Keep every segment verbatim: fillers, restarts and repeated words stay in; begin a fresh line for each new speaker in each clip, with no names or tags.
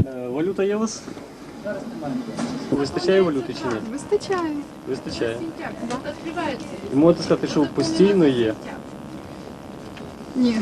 Валюта є у вас? Вистачає валюти чи ні?
Вистачає.
Вистачає. І можете сказати, що постійно є?
Ні.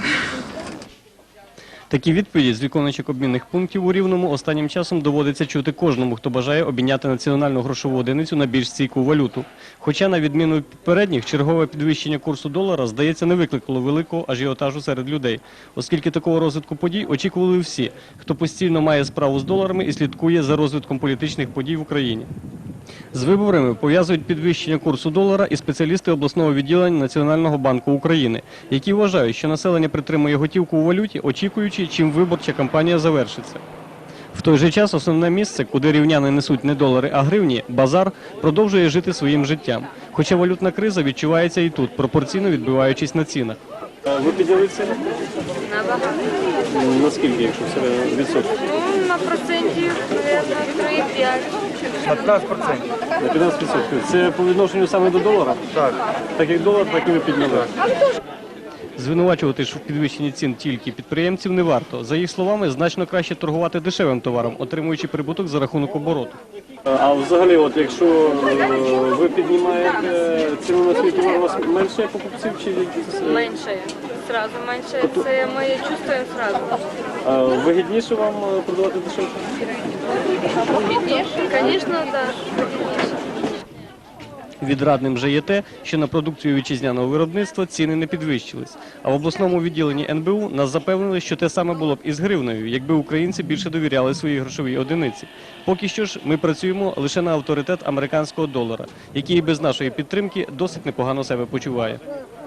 Такі відповіді з виконуючих обмінних пунктів у Рівному останнім часом доводиться чути кожному, хто бажає обміняти національну грошову одиницю на більш стійку валюту. Хоча, на відміну від попередніх, чергове підвищення курсу долара, здається, не викликало великого ажіотажу серед людей, оскільки такого розвитку подій очікували всі, хто постійно має справу з доларами і слідкує за розвитком політичних подій в Україні. З виборами пов'язують підвищення курсу долара і спеціалісти обласного відділення Національного банку України, які вважають, що населення притримує готівку у валюті, очікуючи, чим виборча кампанія завершиться. В той же час основне місце, куди рівняни несуть не долари, а гривні – базар, продовжує жити своїм життям. Хоча валютна криза відчувається і тут, пропорційно відбиваючись на цінах. Ви підняли ціни?
Набагато.
Наскільки, якщо це відсотки?
Ну, на процентів, мабуть, три-п'ять.
На п'ятнадцять відсотків.
На п'ятнадцять відсотків. Це по відношенню саме до долара?
Так.
Так як долар, так і ви підняли. Звинувачувати ж в підвищенні цін тільки підприємців не варто. За їх словами, значно краще торгувати дешевим товаром, отримуючи прибуток за рахунок обороту. А взагалі, от якщо е, ви піднімаєте ціну на свій товар, у вас менше покупців чи
Менше. Сразу менше. Це ми чувствуємо сразу.
А вигідніше вам продавати дешевше?
Звісно, так.
Відрадним же є те, що на продукцію вітчизняного виробництва ціни не підвищились. А в обласному відділенні ен бе у нас запевнили, що те саме було б і з гривнею, якби українці більше довіряли своїй грошовій одиниці. Поки що ж ми працюємо лише на авторитет американського долара, який і без нашої підтримки досить непогано себе почуває.